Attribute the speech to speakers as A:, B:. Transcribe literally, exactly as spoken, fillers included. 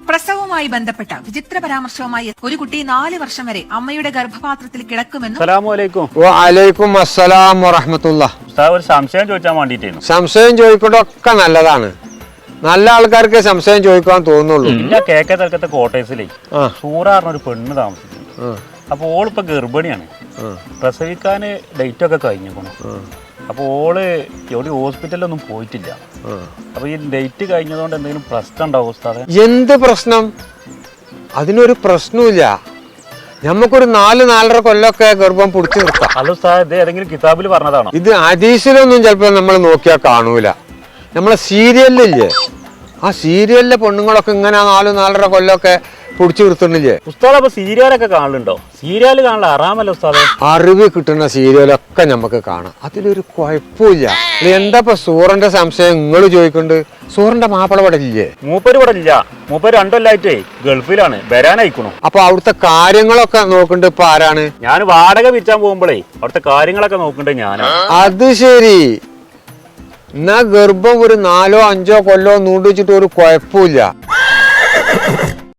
A: പ്രസവവുമായി ബന്ധപ്പെട്ട വിചിത്ര പരാമർശവുമായി ഒരു കുട്ടി നാല് വർഷം വരെ അമ്മയുടെ ഗർഭപാത്രത്തിൽ കിടക്കുമെന്നും
B: വഅലൈക്കും അസ്സലാം വറഹ്മത്തുള്ളാഹി.
C: ഒരു സംശയം ചോദിച്ചാൽ വേണ്ടിട്ടായിരുന്നു.
B: സംശയം ചോദിക്കണ്ടൊക്കെ നല്ലതാണ്. നല്ല ആൾക്കാർക്ക് സംശയം ചോദിക്കാൻ തോന്നുള്ളൂ.
C: കേക്ക തലക്കത്തെ കോട്ടേഴ്സിലേ സൂറാറിന് ഒരു പെണ്ണ് താമസിക്കുന്നു. അപ്പൊ ഓളിപ്പോ ഗർഭിണിയാണ്. പ്രസവിക്കാൻ ഡേറ്റ് ഒക്കെ കഴിഞ്ഞേക്കണു. അപ്പൊ ഓള് എവിടെ ഹോസ്പിറ്റലിലൊന്നും പോയിട്ടില്ല. അപ്പൊ ഈ ഡേറ്റ് കഴിഞ്ഞതുകൊണ്ട് എന്തെങ്കിലും പ്രശ്നം ഉണ്ടാവും ഉസ്താദേ?
B: എന്ത് പ്രശ്നം? അതിനൊരു പ്രശ്നമില്ല. നമുക്കൊരു നാല് നാലര കൊല്ലൊക്കെ ഗർഭം പിടിച്ചു നിർത്താം.
C: അല്ല ഉസ്താദ്, ഇത് ഏതെങ്കിലും കിതാബിൽ പറഞ്ഞതാണോ?
B: ഇത് ഹദീസിലൊന്നും ചിലപ്പോ നമ്മൾ നോക്കിയാൽ കാണൂല. നമ്മളെ സീരിയലില്ലേ, ആ സീരിയലിലെ പെണ്ണുങ്ങളൊക്കെ ഇങ്ങനെ നാല് നാലര കൊല്ലൊക്കെ പിടിച്ചു നിർത്തുന്നില്ലേ?
C: ഉസ്താദ് അപ്പൊ സീരിയലൊക്കെ കാണലുണ്ടോ? സീരിയല് കാണല ആറാമല്ലോ ഉസ്താദേ.
B: അറിവ് കിട്ടുന്ന സീരിയലൊക്കെ നമുക്ക് കാണാം. അതിലൊരു കുഴപ്പമില്ല. എന്താ ഇപ്പൊ സൂറിന്റെ സംശയം നിങ്ങൾ ചോദിക്കുന്നുണ്ട്? സൂറിന്റെ മാപ്പിള ഇവിടെ ഇല്ലേ?
C: മൂപ്പര് ഇവിടെ ഇല്ല. മൂപ്പര് രണ്ടല്ലായിട്ടേ ഗൾഫിലാണ്, വരാനയക്കണു.
B: അപ്പൊ അവിടുത്തെ കാര്യങ്ങളൊക്കെ നോക്കണ്ട് ഇപ്പൊ ആരാണ്?
C: ഞാൻ വാടക വിൽക്കാൻ പോകുമ്പോഴേ അവിടുത്തെ കാര്യങ്ങളൊക്കെ നോക്കണ്ടേ ഞാനാണ്.
B: അത് ശരി. എന്നാ ഗർഭം ഒരു നാലോ അഞ്ചോ കൊല്ലോ നൂണ്ട് വെച്ചിട്ട് ഒരു കുഴപ്പമില്ല.